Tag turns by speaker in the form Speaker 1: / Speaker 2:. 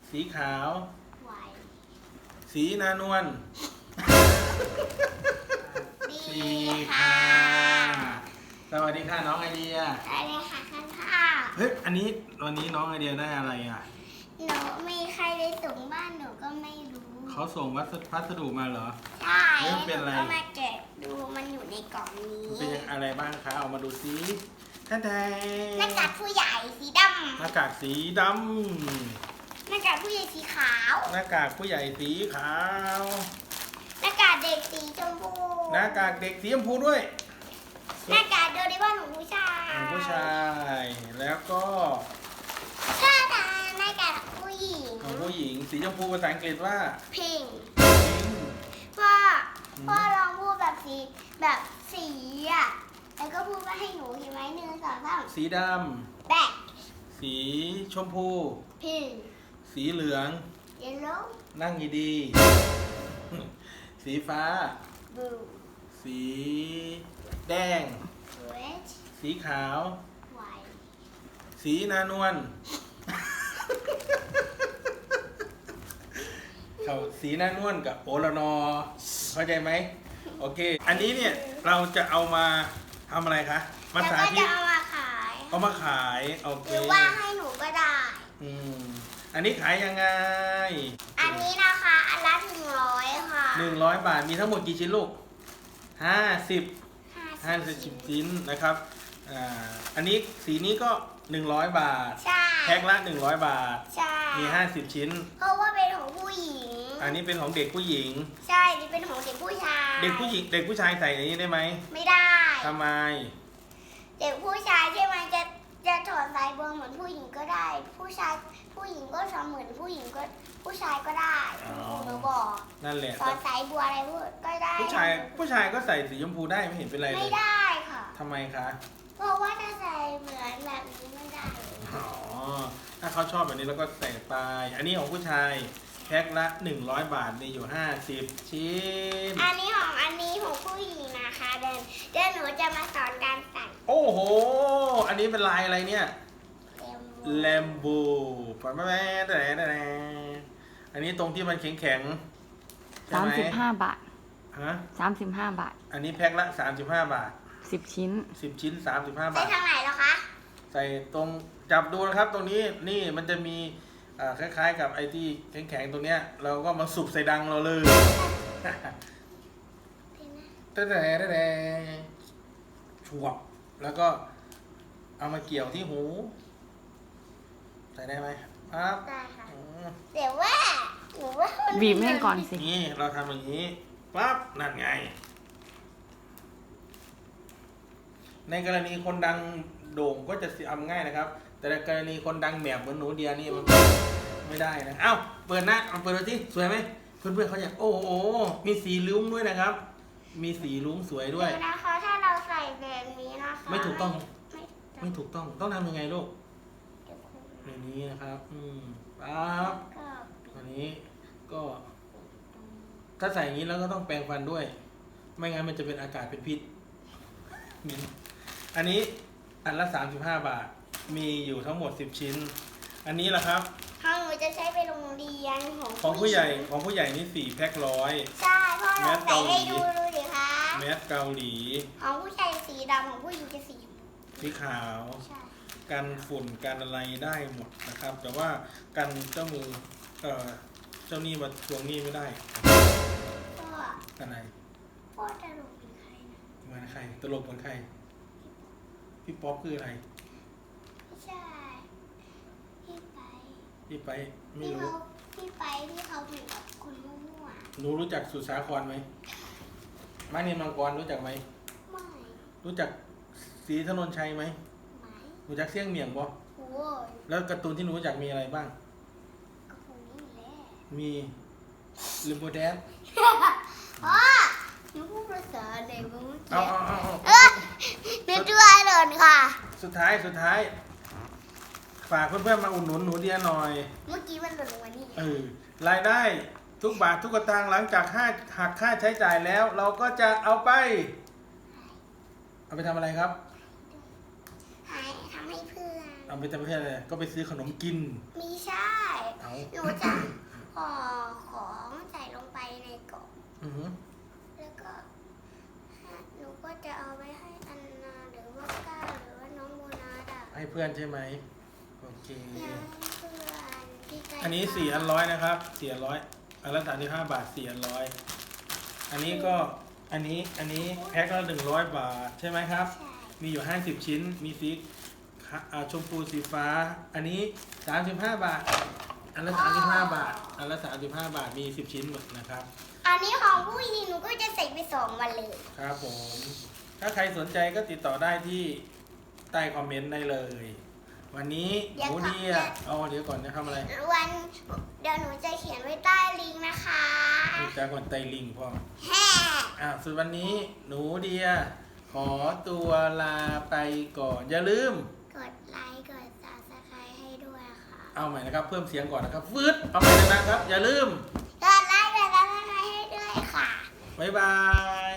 Speaker 1: สีขาว
Speaker 2: ไหว
Speaker 1: สีนานวล
Speaker 2: ดี
Speaker 1: สี
Speaker 2: ค่ะ
Speaker 1: สวัสดีค่ะน้องไอเดีย
Speaker 2: ได้เลยค่ะข้าว
Speaker 1: เฮ้ยอันนี้วันนี้น้องไอเดียได้อะไรอ่ะ
Speaker 2: หนูมีใครไปส่งบ้านหนูก็ไม่รู้
Speaker 1: เขาส่งพัสดุมาเหรอ
Speaker 2: ใช่
Speaker 1: เฮ้ยมันเป็นอะไร
Speaker 2: หก็มาแกะดูมันอยู่ในกล่องนี้
Speaker 1: มันเป็นอะไรบ้างคะเอามาดูซิท่านใด
Speaker 2: หน้ากากผู้ใหญ่สีด
Speaker 1: หน้ากากสีด
Speaker 2: ำหน้ากากผู้ใหญ่สีขาว
Speaker 1: ำหน้ากากผู้ใหญ่สีขาว
Speaker 2: หน้ากากเด็กสีชมพู
Speaker 1: หน้ากากเด็กสีชมพูด้วย
Speaker 2: หน้ากากโดเรมอนของผู้ชาย
Speaker 1: ของผู้ชายแล้วก็
Speaker 2: ถ้าทาหน้ากากผู้หญิง
Speaker 1: ของผู้หญิงสีชมพูภาษาอังกฤษว่า
Speaker 2: พิง
Speaker 1: พิง
Speaker 2: พ่อลองพูดแบบแบบสีอ่ะแล้วก็พูดว่าให้หนูเห็นไหม1 2 3
Speaker 1: สีด
Speaker 2: แบล็ค
Speaker 1: ำสีชมพู
Speaker 2: พิง
Speaker 1: สีเหลือง
Speaker 2: เยลโล่
Speaker 1: นั่งดีๆ สีฟ้า
Speaker 2: บลู
Speaker 1: สีแดง
Speaker 2: เรด
Speaker 1: สีขาว
Speaker 2: ไวท์
Speaker 1: สีนานวล เขาสีนานวลกับโอละนอ เข้าใจไหม โอเค อันนี้เนี่ยเราจะเอามาทำอะไรคะมา
Speaker 2: แล้ว
Speaker 1: สา
Speaker 2: ก็
Speaker 1: ธิ
Speaker 2: จะ
Speaker 1: ต
Speaker 2: เอามาขาย
Speaker 1: เอามาขาย โอเค
Speaker 2: หรือว่าให้หนูก็ได้
Speaker 1: อืมอันนี้ขายยังไง
Speaker 2: อันนี้นะคะอันละ100ค่ะ
Speaker 1: 100 บาท มีทั้งหมดกี่ชิ้นลูก50
Speaker 2: 50
Speaker 1: ชิ้นนะครับ อันนี้สีนี้ก็100 บาท
Speaker 2: ใช่
Speaker 1: แพ็คละ100 บาท
Speaker 2: ใช่
Speaker 1: มี50 ชิ้น
Speaker 2: เพราะว่าเป็นของผู้หญิง
Speaker 1: อันนี้เป็นของเด็กผู้หญิง
Speaker 2: ใช่นี่เป็นของเด็กผู้ชาย
Speaker 1: เด็กผู้หญิง เด็กผู้ชายใส่ในนี้ได้ไหม
Speaker 2: ไม่ได้
Speaker 1: ทำไม
Speaker 2: เด็กผู้ชายใช่ไหมจะถอดสายบัวเหมือนผู้หญิงก็ได้ ผู้หญิงก็ทำเหมือนผู้หญิงก็ผู้ชายก็ได้
Speaker 1: อ๋อ
Speaker 2: หนูบอก
Speaker 1: นั่นแหละ
Speaker 2: ถอดสายบัวอะไรพูดก็ได้
Speaker 1: ผู้ชายก็ใส่สีชมพูได้ไม่เห็นเป็นไรเล
Speaker 2: ไม่
Speaker 1: ย
Speaker 2: ได้ค่ะ
Speaker 1: ทำไมคะ
Speaker 2: เพราะว่าถ้าใส่เหมือนแบบนี้ไม่ได้
Speaker 1: อ๋อ ถ้าเขาชอบแบบนี้แล้วก็ใส่ไป อันนี้ของผู้ชายแพ็คละ100 บาทมีอยู่50 ชิ้น
Speaker 2: อันนี้ของผู้หญิงนะคะเดี๋ยวหนูจะมาสอนการใส่
Speaker 1: โอ้โห อันนี้เป็นลายอะไรเนี่ย แลมโบปะแม่แต่อันนี้ตรงที่มันแข็งๆใช่ไหม
Speaker 3: 35 บาท
Speaker 1: ฮะ
Speaker 3: 35 บาท
Speaker 1: อันนี้แพ็คละ35 บาท
Speaker 3: 10 ชิ้น
Speaker 1: 10 ชิ้น 35
Speaker 2: ใส่
Speaker 1: บาท
Speaker 2: ทางไหนแล้วคะ
Speaker 1: ใส่ตรงจับดูนะครับ ตรงนี้นี่มันจะมีคล้ายๆ กับไอ้ที่แข็งๆตรงเนี้ย เราก็มาสุบใส่ดังเราเลยแต่ชวบแล้วก็เอามาเกี่ยวที่หู ใส่ได้ไหมครับ
Speaker 2: ได้ค่ะ
Speaker 1: อืม
Speaker 2: เดี๋ยวว่าหนูว่ามัน
Speaker 3: บีบให้ก่อนสิ
Speaker 1: นี่เราทำอย่างนี้ปั๊บนั่นไง ในกรณีคนดังโด่งก็จะทำง่ายนะครับ แต่ในกรณีคนดังแบบเหมือนหนูเดียนี่มันไม่ได้นะเอ้าเปิดหน้าเอาเปิดดูที่สวยไหมเพื่อนๆเขาอยากโอ้โหมีสีลุ้งด้วยนะครับ มีสีลุ้งสวยด้วย
Speaker 2: เดี๋ยวนะคะ ถ้าเราใส่แบบนี้นะคะ
Speaker 1: ไม่ถูกต้อง
Speaker 2: ไม่ถูก
Speaker 1: ไม่ถูกต้องต้องทำยังไงลูก
Speaker 2: เดี๋ยวคุณ
Speaker 1: อย่างนี้นะครับ ปั๊บ
Speaker 2: ก็
Speaker 1: อันนี้ก็ ถ้าใส่อย่างนี้แล้วก็ต้องแปรงฟันด้วย ไม่งั้นมันจะเป็นอากาศเป็นพิษมีอันนี้อันละ35 บาท มีอยู่ทั้งหมด10 ชิ้น อันนี้แหละครับ
Speaker 2: ของหนูจะใช้ไปโรงเรียนของ
Speaker 1: ของผู้ใหญ่นี่4 แพ็ค100
Speaker 2: ใช่พ่อเรา
Speaker 1: แมส
Speaker 2: ใส่
Speaker 1: เกาหลี
Speaker 2: ให้ดูดิคะ
Speaker 1: แมสเกาหลี
Speaker 2: ของผู้ชายสีดำของผู้หญิงจะสีชมพู
Speaker 1: สีขาว
Speaker 2: ใช่
Speaker 1: กันฝุ่นกันอะไรได้หมดนะครับ แต่ว่ากันเจ้ามือเจ้าหนี้มาทวงหนี้ไม่ได้
Speaker 2: พ่อ
Speaker 1: อะไร
Speaker 2: พ่อจะลงเป็นใครนะ
Speaker 1: เหมือนใครตลกเหมือนใครพี่ป๊อปคืออะไร
Speaker 2: ไม่ใช่พี่ไป
Speaker 1: พี่ไปไม่
Speaker 2: ที่
Speaker 1: รู้
Speaker 2: เขาเหมือนกับคุณมั่ว
Speaker 1: หนูรู้จักสุสาครไหมมานินมังกรรู้จักไหม
Speaker 2: ๆไม่
Speaker 1: รู้จักศรีถนนชัยไหม
Speaker 2: ไม่
Speaker 1: รู้จักเสี่ยงเมียงบ่
Speaker 2: โอ้ย
Speaker 1: แล้วการ์ตูนที่หนูรู้จักมีอะไรบ้าง
Speaker 2: ก็คงนี่แหละ
Speaker 1: มีลิมโบแดน
Speaker 2: พ่อหนูพูดภาษาเด็กมั้ง
Speaker 1: เอา
Speaker 2: หนูตัวเดินค่ะ
Speaker 1: สุดท้ายฝากเพื่อนๆมาอุดหนุนหนูเดียหน่อย
Speaker 2: เมื่อกี้มันหล่นลงมานี่
Speaker 1: รายได้ทุกบาททุกสตางค์หลังจากหักค่าใช้จ่ายแล้ว เราก็จะเอาไปทำอะไรครับ
Speaker 2: ทำให้เพื่อน
Speaker 1: เอาไปทำเพื่ออะไรก็ไปซื้อขนมกิน
Speaker 2: มีใช่
Speaker 1: อ๋อ
Speaker 2: หนูจะห่อของใส่ลงไปในกล่อง
Speaker 1: อือหือ
Speaker 2: แล้วก็หนูก็จะเอาไปให้อันนาหรือว่าก้าหรือว่าน้องโบนัสอ่ะ
Speaker 1: ให้เพื่อนใช่ไหมโอเค
Speaker 2: ยังให้เพื่อนที่ใกล้
Speaker 1: อันนี้4 อัน 100นะครับ4 อัน 100อันละ35 บาท4 อัน 100อันนี้ก็อันนี้แพ็คละ100 บาทใช่ไหมครับ
Speaker 2: ใช่
Speaker 1: มีอยู่50 ชิ้นมีสีชมพูสีฟ้า อันนี้35 บาทอันละ35 บาทอันละ35 บาทมี10 ชิ้นหมดนะครับ
Speaker 2: อันนี้ของผู้หญิงหนูก็จะใส่ไป2 วันเลย
Speaker 1: ครับผมถ้าใครสนใจก็ติดต่อได้ที่ใต้คอมเมนต์ได้เลย วันนี้หนูเดียเอาเดี๋ยวก่อนนะทำอะไร
Speaker 2: เดี๋ยวหนูจะเขียนไว้ใต้ลิงก์นะคะ
Speaker 1: ดูจากก่อนไตลิงพ่อ
Speaker 2: แฮ่
Speaker 1: ส่วนวันนี้หนูเดีย ขอตัวลาไปก่อน อย่าลืม
Speaker 2: กดไลค์กด subscribe ให้ด้วยค่ะ
Speaker 1: เอาใหม่นะครับ เพิ่มเสียงก่อนนะครับฟืดเอาใหม่นะครับ อย่าลืม
Speaker 2: กดไลค์กด subscribe ให้ด้วยค่ะ
Speaker 1: บ๊ายบาย